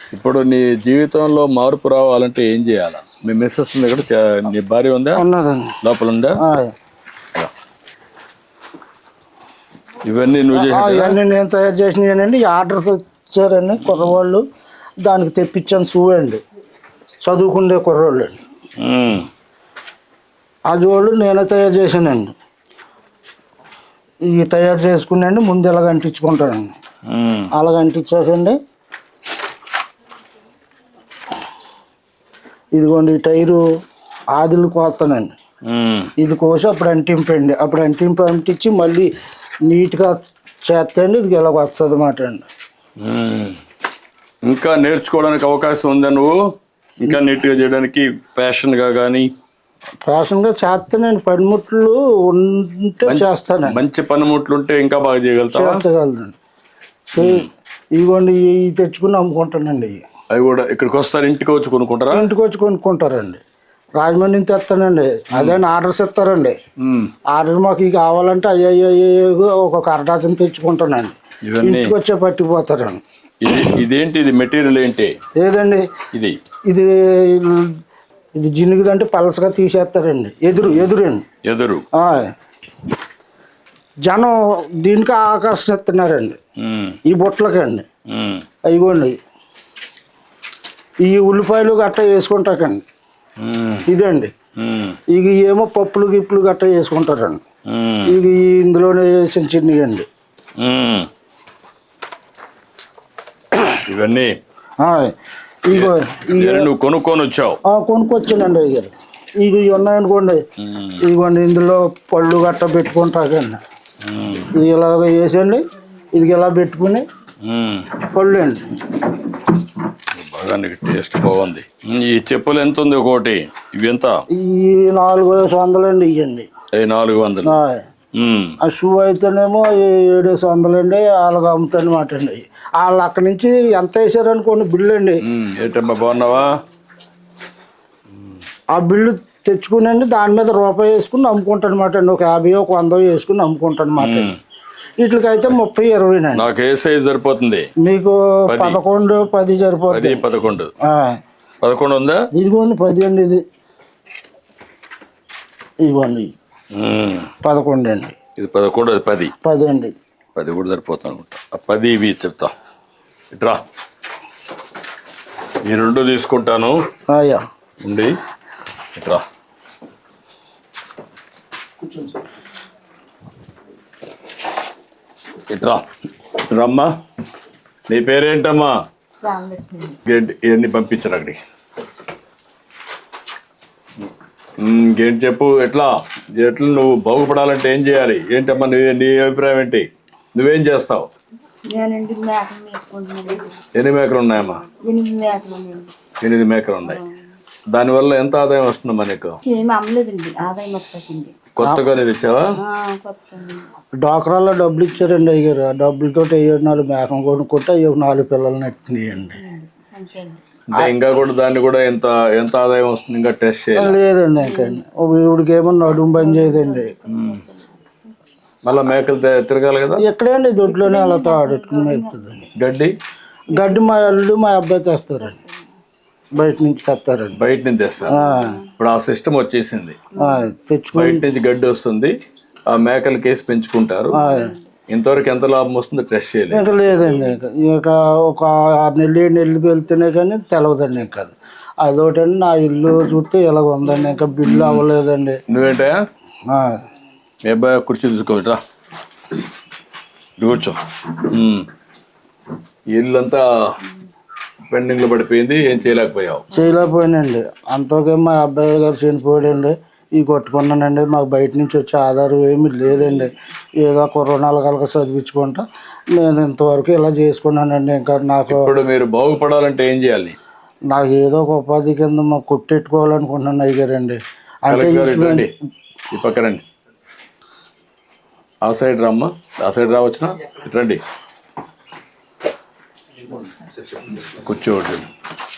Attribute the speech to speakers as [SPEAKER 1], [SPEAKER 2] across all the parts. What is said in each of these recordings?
[SPEAKER 1] ఇప్పుడు నీ జీవితంలో మార్పు రావాలంటే ఏం చేయాలా? మీ మిస్సెస్ ఉంది ఇక్కడ, నీ భార్య ఉందా?
[SPEAKER 2] ఉన్నదండి.
[SPEAKER 1] లోపల ఉందా? ఇవన్నీ నువ్వు
[SPEAKER 2] ఇవన్నీ నేను తయారు చేసినవి. ఆర్డర్స్ వచ్చారండి కుర్రవాళ్ళు, దానికి తెప్పించాను. షూ అండి, చదువుకుండే కుర్రోళ్ళు అండి. అది వాళ్ళు నేనే తయారు చేశానండి. ఇవి తయారు చేసుకున్నాండి. ముందు ఇలాగ అంటించుకుంటానండి. అలాగ అంటించాకండి. ఇదిగోండి ఈ టైరు ఆదిలు కోస్తానండి. ఇది కోసి అప్పుడు అంటింపండి. అప్పుడు అంటించి మళ్ళీ నీట్గా చేస్తాండి. ఇది ఇలాగ వస్తుంది అన్నమాట అండి.
[SPEAKER 1] ఇంకా నేర్చుకోవడానికి అవకాశం ఉందా? నువ్వు ఇంకా నీట్గా చేయడానికి ఫ్యాషన్గా కానీ?
[SPEAKER 2] ఫ్యాషన్గా చేస్తానండి. పనిముట్లు ఉంటే చేస్తానండి.
[SPEAKER 1] మంచి పనిముట్లు ఉంటే ఇంకా బాగా
[SPEAKER 2] చేయగలుగుతానండి. ఇదిగోండి ఇవి తెచ్చుకుని అమ్ముకుంటానండి.
[SPEAKER 1] అవి కూడా ఇక్కడికి వస్తారు, ఇంటికి వచ్చి కొనుక్కుంటారా?
[SPEAKER 2] ఇంటికి వచ్చి కొనుక్కుంటారండి. రాజమండ్రి నుంచి తెస్తానండి. అదే ఆర్డర్స్ ఇస్తారండి. ఆర్డర్ మాకు ఇవి కావాలంటే అయ్యో ఒక అరడాచన తెచ్చుకుంటానండి. ఇంటికి వచ్చే పట్టిపోతారండి.
[SPEAKER 1] ఇదేంటి? ఇది మెటీరియల్ ఏంటి?
[SPEAKER 2] ఏదండి
[SPEAKER 1] ఇది?
[SPEAKER 2] ఇది ఇది జినుగుదంటే పలసగా తీసేస్తారండి. ఎదురు జనం దీనికి ఆకర్షిస్తున్నారండి. ఈ బుట్టలకి అండి. అయిపోండి ఈ ఉల్లిపాయలు గట్ట వేసుకుంటాకండి. ఇదండి ఇక ఏమో పప్పులు గిప్పులు గట్ట వేసుకుంటారండి. ఇక ఇందులోనే చిన్న చిన్నవి అండి.
[SPEAKER 1] ఇవన్నీ
[SPEAKER 2] ఇగో
[SPEAKER 1] నువ్వు కొనుక్కొని వచ్చావు?
[SPEAKER 2] కొనుక్కొచ్చానండి. అయ్యారు ఇవి ఉన్నాయనుకోండి. ఇదిగోండి ఇందులో పళ్ళు గట్ట పెట్టుకుంటాకండి. ఇది ఇలాగ వేసండి. ఇది ఇలా పెట్టుకుని పళ్ళు అండి.
[SPEAKER 1] బాగా టేస్ట్ బాగుంది. ఈ చెప్పులు ఎంత ఉంది ఒకటి? ఇవి ఎంత?
[SPEAKER 2] ఈ 400 అండి. ఇవ్వండి
[SPEAKER 1] 400.
[SPEAKER 2] ఆ షూ అయితేనేమో 700 అండి. వాళ్ళకి అమ్ముతానమాట అండి. వాళ్ళు అక్కడి నుంచి ఎంత వేసారనుకోండి బిల్లు అండి.
[SPEAKER 1] ఏంటమ్మా బాగున్నావా?
[SPEAKER 2] ఆ బిల్లు తెచ్చుకునండి దాని మీద రూపాయి వేసుకుని అమ్ముకుంటాను అనమాట అండి. ఒక 50 ఒక 100 వేసుకుని అమ్ముకుంటాను అనమాట. వీటికైతే 30 20 అండి.
[SPEAKER 1] నాకు ఏ సైజ్ సరిపోతుంది?
[SPEAKER 2] మీకు 11 10 సరిపోతుంది.
[SPEAKER 1] 11 ఉందా?
[SPEAKER 2] ఇదిగోండి 10 అండి. ఇదిగోండి 11 అండి.
[SPEAKER 1] ఇది 11, అది
[SPEAKER 2] 10 అండి.
[SPEAKER 1] 10 కూడా సరిపోతుంది అనుకుంటా. 10 ఇవి చెప్తా. ఇట్రా, ఈ 2 తీసుకుంటాను.
[SPEAKER 2] అయ్యా
[SPEAKER 1] ఉండి ఇట్రా. ఇట్రా రమ్మా. నీ పేరేంటమ్మా? ఇవన్నీ పంపించరు అక్కడికి. ఇంకేంటి చెప్పు? ఎట్లా నువ్వు బాగుపడాలంటే ఏం చేయాలి? ఏంటమ్మా నీ అభిప్రాయం ఏంటి? నువ్వేం చేస్తావు? ఎన్ని మేకలు ఉన్నాయమ్మా? 8 మేకలు ఉన్నాయి. దానివల్ల ఎంత ఆదాయం వస్తుందమ్మా నీకు? కొత్తగా తెచ్చావా?
[SPEAKER 2] డాక్రాల్లో డబ్బులు ఇచ్చారండి అయ్యారు. ఆ డబ్బులతో 4 మేకలు కొనుక్కుంటే 4 పిల్లలు నెట్టినాయండి.
[SPEAKER 1] ఇంకా కూడా దాన్ని కూడా ఎంత ఆదాయం వస్తుంది? ఇంకా టెస్ట్ చేయాలి?
[SPEAKER 2] లేదండి. ఇంకండి ఇవిడికి ఏమో నడుము బంద్ చేయదండి.
[SPEAKER 1] మళ్ళీ మేకలు తిరగాలి కదా.
[SPEAKER 2] ఎక్కడండి దొడ్లోనే అలా ఆడుకుని మేపుతుంది. గడ్డి మా అల్లుడు మా అబ్బాయి తెస్తారండి. బయట నుంచి తెస్తారండి.
[SPEAKER 1] బయట నుంచి తెస్తారు. ఇప్పుడు ఆ సిస్టమ్ వచ్చేసింది. బయట నుంచి గడ్డి వస్తుంది, ఆ మేకలు కేసి పెంచుకుంటారు. ఇంతవరకు ఎంత లాభం వస్తుందో టెస్ట్ చేయలేదు.
[SPEAKER 2] ఇంకా లేదండి. ఇక ఒక 6 నెలలు 7 నెలలు వెళ్తేనే కానీ తెలవదండి. ఇంకా అదొకటండి. నా ఇల్లు చూస్తే ఇలాగ ఉందండి. ఇంకా బిల్లు అవ్వలేదండి.
[SPEAKER 1] నువ్వేంటా మీ అబ్బాయి కుర్చీ తీసుకోవట్రా, కూర్చో. ఇల్లు అంతా పెండింగ్లో పడిపోయింది. ఏం చేయలేకపోయానండి. అంతకే మా అబ్బాయి గారు చనిపోయాడండి. ఇవి కొట్టుకున్నానండి. మాకు బయట నుంచి వచ్చే ఆధారం ఏమీ లేదండి. ఏదో కొరోనాలు కలక చదివించుకుంటా నేను ఇంతవరకు ఇలా చేసుకున్నానండి. ఇంకా నాకు ఇప్పుడు మీరు బాగుపడాలంటే ఏం చేయాలి?
[SPEAKER 2] నాకు ఏదో ఒక ఉపాధి కింద మాకు కొట్టెట్టుకోవాలనుకుంటున్నాను అయ్యారండి. అంటే
[SPEAKER 1] ఈ పక్క రండి, ఆ సైడ్ రమ్మా. ఆ సైడ్ రావచ్చునా? రండి, కూర్చోండి.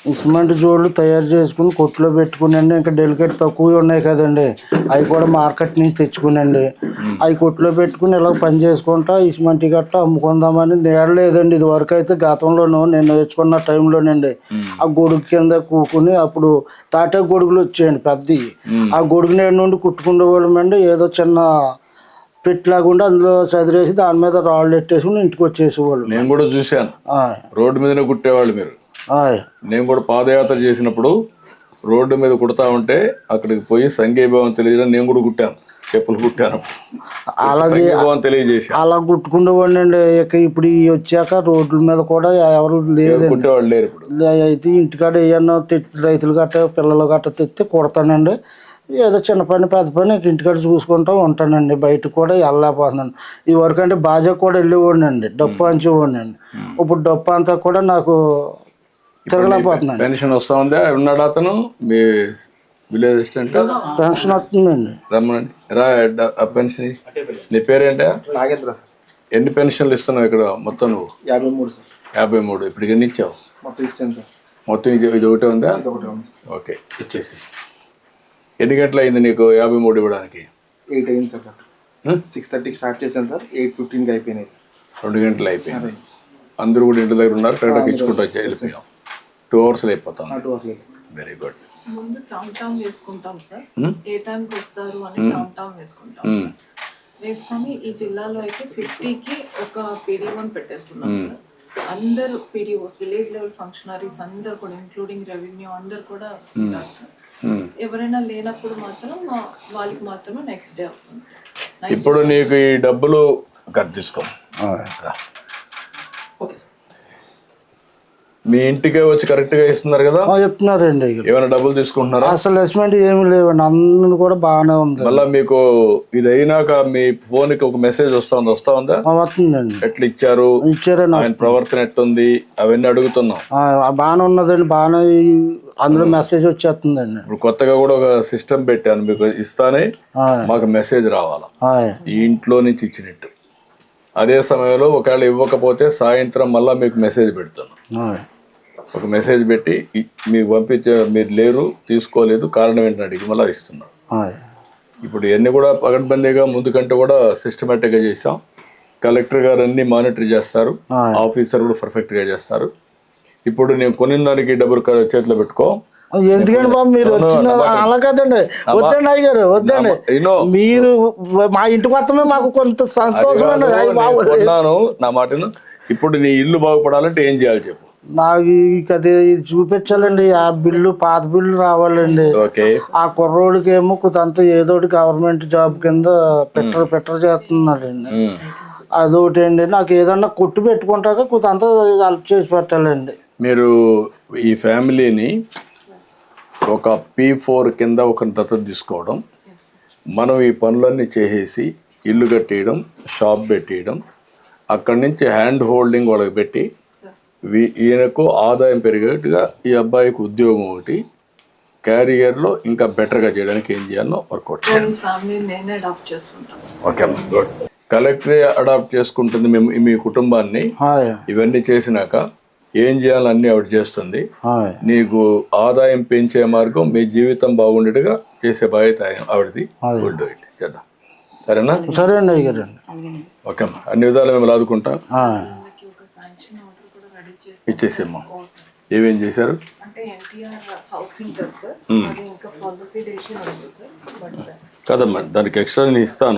[SPEAKER 2] సిమెంట్ జోళ్ళు తయారు చేసుకుని కొట్లో పెట్టుకునండి. ఇంకా డెలికేట్ తక్కువ ఉన్నాయి కదండి, అవి కూడా మార్కెట్ నుంచి తెచ్చుకునండి. అవి కొట్లో పెట్టుకుని ఇలా పని చేసుకుంటా ఈ సిమెంట్ గట్ట అమ్ముకుందామని నేడలేదండి. ఇది వరకు అయితే గతంలోనూ నేను నేర్చుకున్న టైంలోనండి ఆ గొడుగు కింద కూకుని అప్పుడు తాటే గొడుగులు వచ్చాయండి పెద్దవి. ఆ గొడుగు నేడు నుండి కుట్టుకునే వాళ్ళమండి. ఏదో చిన్న పెట్టిలాగుండి అందులో చదిరేసి దాని మీద రాళ్ళు ఎట్టేసుకుని ఇంటికి వచ్చేసేవాళ్ళు.
[SPEAKER 1] నేను కూడా చూశాను, రోడ్డు మీదనే కుట్టేవాళ్ళు మీరు. నేను కూడా పాదయాత్ర చేసినప్పుడు రోడ్డు మీద కుడతా ఉంటే అక్కడికి పోయి సంఘీభావం తెలియజేయడం నేను కూడా కుట్టాను, చెప్పులు కుట్టాను,
[SPEAKER 2] అలాగే
[SPEAKER 1] తెలియజేసి
[SPEAKER 2] అలా కుట్టుకునేవాడిని అండి. ఇక ఇప్పుడు వచ్చాక రోడ్ల మీద కూడా ఎవరు లేదు,
[SPEAKER 1] కుట్టేవాళ్ళు లేరు ఇప్పుడు.
[SPEAKER 2] అయితే ఇంటికాడ ఏమన్నా రైతులు గట్ట పిల్లలు గట్ట తెస్తే కుడతానండి. ఏదో చిన్న పని పెద్ద పని ఇంటికాడ చూసుకుంటూ ఉంటానండి. బయటకు కూడా వెళ్ళలేకపోతున్నాను. ఈ వరకు అంటే బాజా కూడా వెళ్ళేవాడిని అండి, డప్పు అంచేవాడిని అండి. ఇప్పుడు డప్పు అంతా కూడా నాకు తిరగలేకపోతున్నాను.
[SPEAKER 1] పెన్షన్ వస్తా ఉందా? ఉన్నాడు అతను మీ విలేజ్ అసిస్టెంట్?
[SPEAKER 2] పెన్షన్ వస్తుందండి.
[SPEAKER 1] రమ్మనండి, రా. పెన్షన్ నీ పేరేంటా?
[SPEAKER 3] నాగేంద్ర సార్.
[SPEAKER 1] ఎన్ని పెన్షన్లు ఇస్తున్నావు ఇక్కడ మొత్తం నువ్వు?
[SPEAKER 3] 53 సార్.
[SPEAKER 1] 53. ఇప్పుడు ఎన్ని ఇచ్చావు?
[SPEAKER 3] మొత్తం ఇస్తాను సార్.
[SPEAKER 1] మొత్తం ఇది ఒకటే ఉందా?
[SPEAKER 3] ఒకటే ఉంది సార్.
[SPEAKER 1] ఓకే, ఇచ్చేసి. ఎన్ని గంటలు అయింది నీకు 53 ఇవ్వడానికి?
[SPEAKER 3] 8 అయింది సార్. 6:30కి స్టార్ట్ చేశాను సార్, 8:15కి అయిపోయినాయి సార్.
[SPEAKER 1] 2 గంటలు అయిపోయింది. అందరూ కూడా ఇంటి దగ్గర ఉన్నారు, కరెక్ట్గా ఇచ్చుకుంటూ వచ్చి వెళ్ళిపోయాం. 2 అవర్స్ అయిపోతాం. Very good.
[SPEAKER 4] ముందు కౌంట్ డౌన్ వేసుకుంటాం సార్, ఏ టైంకి వస్తారు అని కౌంట్ డౌన్ వేసుకుంటాం. వేసుకొని ఈ జిల్లాలో అయితే 50కి ఒక PD1 పెట్టేసుకున్నాం సార్. అందరు PDOs, విలేజ్ లెవెల్ ఫంక్షనరీస్ అందరు కూడా ఇంక్లూడింగ్ రెవెన్యూ అందరు కూడా ఉంటారు సార్. ఎవరైనా లేనప్పుడు మాత్రం వాళ్ళకి మాత్రమే నెక్స్ట్ డే అవుతుంది సార్.
[SPEAKER 1] ఇప్పుడు నీకు ఈ డబ్బులు తీసుకో, మీ ఇంటికే వచ్చి కరెక్ట్ గా ఇస్తున్నారు కదా?
[SPEAKER 2] చెప్తున్నారండి.
[SPEAKER 1] ఏమైనా డబ్బులు తీసుకుంటున్నారా?
[SPEAKER 2] అసలు అసెస్మెంట్ ఏమి లేవండి, అందరూ కూడా బాగానే ఉంది.
[SPEAKER 1] మళ్ళీ మీకు ఇది అయినాక మీ ఫోన్ కి ఒక మెసేజ్ వస్తా ఉందా?
[SPEAKER 2] వస్తుందండి.
[SPEAKER 1] ఎట్లా ఇచ్చారండి, ఆయన ప్రవర్తన ఎట్టుంది అవన్నీ అడుగుతున్నాం.
[SPEAKER 2] బాగానే ఉన్నదండి, బాగానే అందులో మెసేజ్ వచ్చేస్తుందండి.
[SPEAKER 1] ఇప్పుడు కొత్తగా కూడా ఒక సిస్టమ్ పెట్టాను, మీకు ఇస్తానే మాకు మెసేజ్ రావాలా ఈ ఇంట్లో నుంచి ఇచ్చినట్టు. అదే సమయంలో ఒకవేళ ఇవ్వకపోతే సాయంత్రం మళ్ళీ మీకు మెసేజ్ పెడుతున్నాం. ఒక మెసేజ్ పెట్టి మీకు పంపించే, మీరు లేరు తీసుకోలేదు కారణం ఏంటంటే అడిగి మళ్ళీ ఇస్తున్నాం. ఇప్పుడు ఇవన్నీ కూడా పగడ్బందీగా ముందు కంటే కూడా సిస్టమేటిక్గా చేస్తాం. కలెక్టర్ గారు అన్ని మానిటర్ చేస్తారు, ఆఫీసర్ కూడా పర్ఫెక్ట్గా చేస్తారు. ఇప్పుడు నేను కొనిన దానికి డబ్బులు చేతిలో పెట్టుకో.
[SPEAKER 2] ఎందుకండి బాబు మీరు వచ్చిన అలా కదండి, వద్దండి అయ్యారు వద్దండి. మీరు మా ఇంటికి మొత్తమే మాకు కొంత సంతోషమైన
[SPEAKER 1] నా మాటను. ఇప్పుడు నీ ఇల్లు బాగుపడాలంటే ఏం చేయాలి చెప్పు?
[SPEAKER 2] నాకు అది చూపించాలండి. ఆ బిల్లు పాత బిల్లు రావాలండి. ఆ కుర్రోడికి ఏమో కొంత ఏదోటి గవర్నమెంట్ జాబ్ కింద పెట్టర్ చేస్తున్నాడండి. అదొకటి అండి. నాకు ఏదన్నా కొట్టు పెట్టుకుంటాక కొంత హెల్ప్ చేసి పెట్టాలండి.
[SPEAKER 1] మీరు ఈ ఫ్యామిలీని ఒక P4 కింద ఒక దత్తత తీసుకోవడం, మనం ఈ పనులన్నీ చేసేసి ఇల్లు కట్టేయడం, షాప్ పెట్టేయడం, అక్కడి నుంచి హ్యాండ్ హోల్డింగ్ వాళ్ళకి పెట్టి ఈయనకు ఆదాయం పెరిగేట్టుగా ఈ అబ్బాయికి ఉద్యోగం ఒకటి, క్యారియర్లో ఇంకా బెటర్గా చేయడానికి ఏం చేయాలో వర్కౌట్ చేయాలి. Okay, good. కలెక్టరే అడాప్ట్ చేసుకుంటుంది మీ కుటుంబాన్ని. ఇవన్నీ చేసినాక ఏం చేయాలని ఆవిడ చేస్తుంది. నీకు ఆదాయం పెంచే మార్గం, మీ జీవితం బాగుండేట్టుగా చేసే బాధ్యత ఆవిడది. చేద్దాం, సరేనా?
[SPEAKER 2] సరే అండి అయ్యారు.
[SPEAKER 1] ఓకే అమ్మా, అన్ని విధాలు మేము ఆదుకుంటాం. ఇచ్చేసేమ్మా. ఏమేం చేశారు? కదమ్మా, దానికి ఎక్స్ట్రా నేను ఇస్తాను.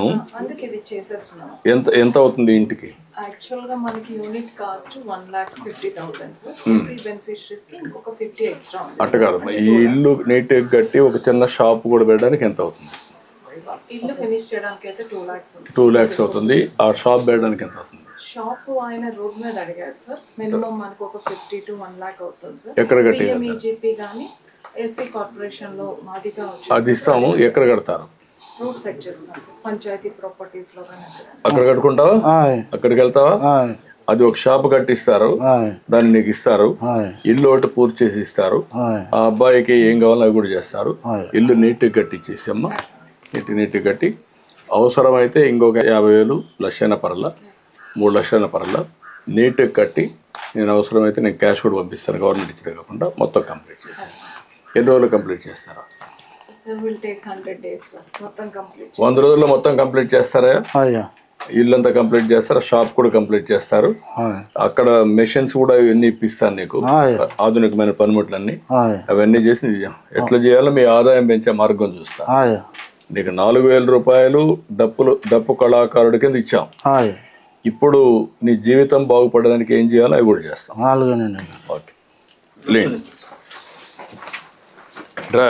[SPEAKER 1] ఎంత అవుతుంది ఇంటికి?
[SPEAKER 4] యాక్చువల్గా మనకి యూనిట్ కాస్ట్ 1,50,000 సార్. బెనిఫిషరీస్ కి ఇంకొక 50 ఎక్స్ట్రా ఉంది.
[SPEAKER 1] అట్ట కాదమ్మా, ఈ ఇల్లు నీట్గా కట్టి ఒక చిన్న షాప్ కూడా పెట్టడానికి ఎంత అవుతుంది?
[SPEAKER 4] ఇల్లు ఫినిష్ చేయడానికి అయితే 2 lakhs
[SPEAKER 1] 2 lakhs అవుతుంది. ఆ షాప్ పెట్టడానికి ఎంత అవుతుంది?
[SPEAKER 4] షాప్ ఆయన రోడ్ మీద అడిగారు సార్. మినిమం మనకు ఒక 50 to 1 lakh అవుతుంది సార్.
[SPEAKER 1] ఎక్కడ కట్టి?
[SPEAKER 4] PMEGP కానీ ఎస్సీ కార్పొరేషన్ లో మాదిగా వచ్చి
[SPEAKER 1] అది ఇస్తాము. ఎక్కడ కడతారు?
[SPEAKER 4] రూట్ సెట్ చేస్తాం సార్, పంచాయతీ ప్రాపర్టీస్ లో కానీ.
[SPEAKER 1] అక్కడ కట్టుకుంటావా? అక్కడికి వెళ్తావా? అది ఒక షాప్ కట్టిస్తారు, దాన్ని నీకు ఇస్తారు. ఇల్లు ఒకటి పూర్తి చేసి ఇస్తారు. ఆ అబ్బాయికి ఏం కావాలో అవి కూడా చేస్తారు. ఇల్లు నీట్గా కట్టించేసి అమ్మ, నీట్గా కట్టి అవసరమైతే ఇంకొక 50,000 లక్షైన పర్ల 3 లక్షల పర్ల నీట్గా కట్టి
[SPEAKER 5] నేను అవసరమైతే నేను క్యాష్ కూడా పంపిస్తాను, గవర్నమెంట్ ఇచ్చినా కాకుండా మొత్తం కంప్లీట్ చేస్తాను. ఎన్ని రోజులు కంప్లీట్ చేస్తారా?
[SPEAKER 4] Sir will take 100 days sir మొత్తం కంప్లీట్.
[SPEAKER 5] 100 రోజుల్లో మొత్తం కంప్లీట్ చేస్తారా?
[SPEAKER 2] అయ్యా
[SPEAKER 5] ఇల్లంతా కంప్లీట్ చేస్తారా? షాప్ కూడా కంప్లీట్ చేస్తారు. అక్కడ మెషిన్స్ కూడా ఇవన్నీ ఇప్పిస్తాను నీకు, ఆధునికమైన పనిముట్లన్నీ. అవన్నీ చేసి ఎట్లా చేయాలో మీ ఆదాయం పెంచే మార్గం చూస్తా. నీకు 4,000 రూపాయలు డప్పు కళాకారుడి కింద ఇచ్చాం. ఇప్పుడు నీ జీవితం బాగుపడడానికి ఏం చేయాలో అవి కూడా చేస్తాం. ఓకే లేండి రా.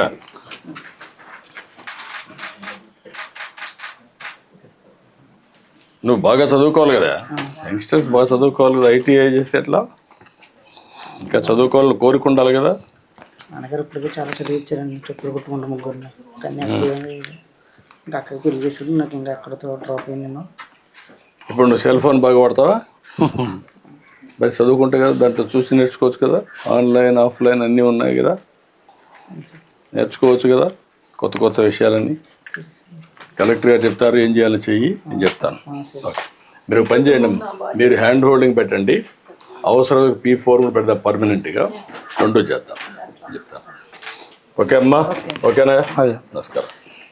[SPEAKER 5] నువ్వు బాగా చదువుకోవాలి కదా, యంగ్స్టర్స్ బాగా చదువుకోవాలి కదా. ఐటీఐ చేస్తే ఎట్లా? ఇంకా చదువుకోవాలని కోరిక ఉండాలి కదా.
[SPEAKER 6] నాన్నగారు ఇప్పటికీ చాలా చదివించారండి, చెప్పులు కుట్టుకుంటూ ముగ్గురిని. కానీ ఇంకా అక్కడికి పెళ్లి చేసుకుంటే నాకు ఇంకా అక్కడతో డ్రాప్ అయ్యి నేను.
[SPEAKER 5] ఇప్పుడు నువ్వు సెల్ ఫోన్ బాగా వాడతావా? మరి చదువుకుంటే కదా దాంట్లో చూసి నేర్చుకోవచ్చు కదా. ఆన్లైన్ ఆఫ్లైన్ అన్నీ ఉన్నాయి కదా, నేర్చుకోవచ్చు కదా కొత్త కొత్త విషయాలన్నీ. కలెక్టర్ గారు చెప్తారు ఏం చేయాలో చెయ్యి, నేను చెప్తాను. ఓకే మీరు పని చేయండి, మీరు హ్యాండ్ హోల్డింగ్ పెట్టండి, అవసరం P4 పెడతాం పర్మనెంట్గా, 2 చేద్దాం చెప్తాను. ఓకే అమ్మా, ఓకేనా? నమస్కారం.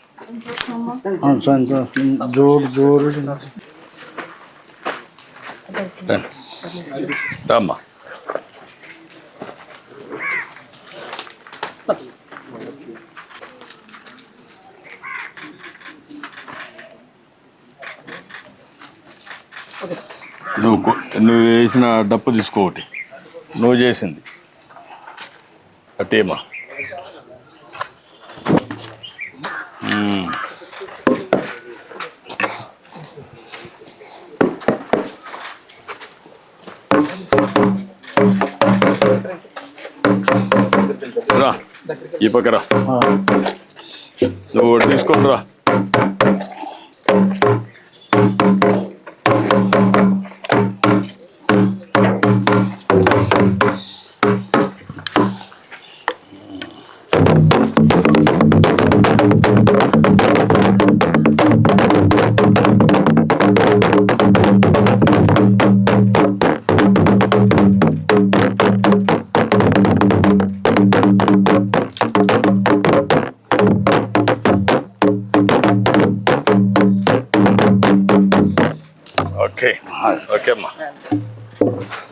[SPEAKER 5] రామ్మా. నువ్వు వేసిన డప్పు తీసుకో, ఒకటి నువ్వు చేసింది అట్టేమా. రా ఈ పక్కరా, నువ్వు తీసుకొని రా. ఓకే ఓకే అమ్మా.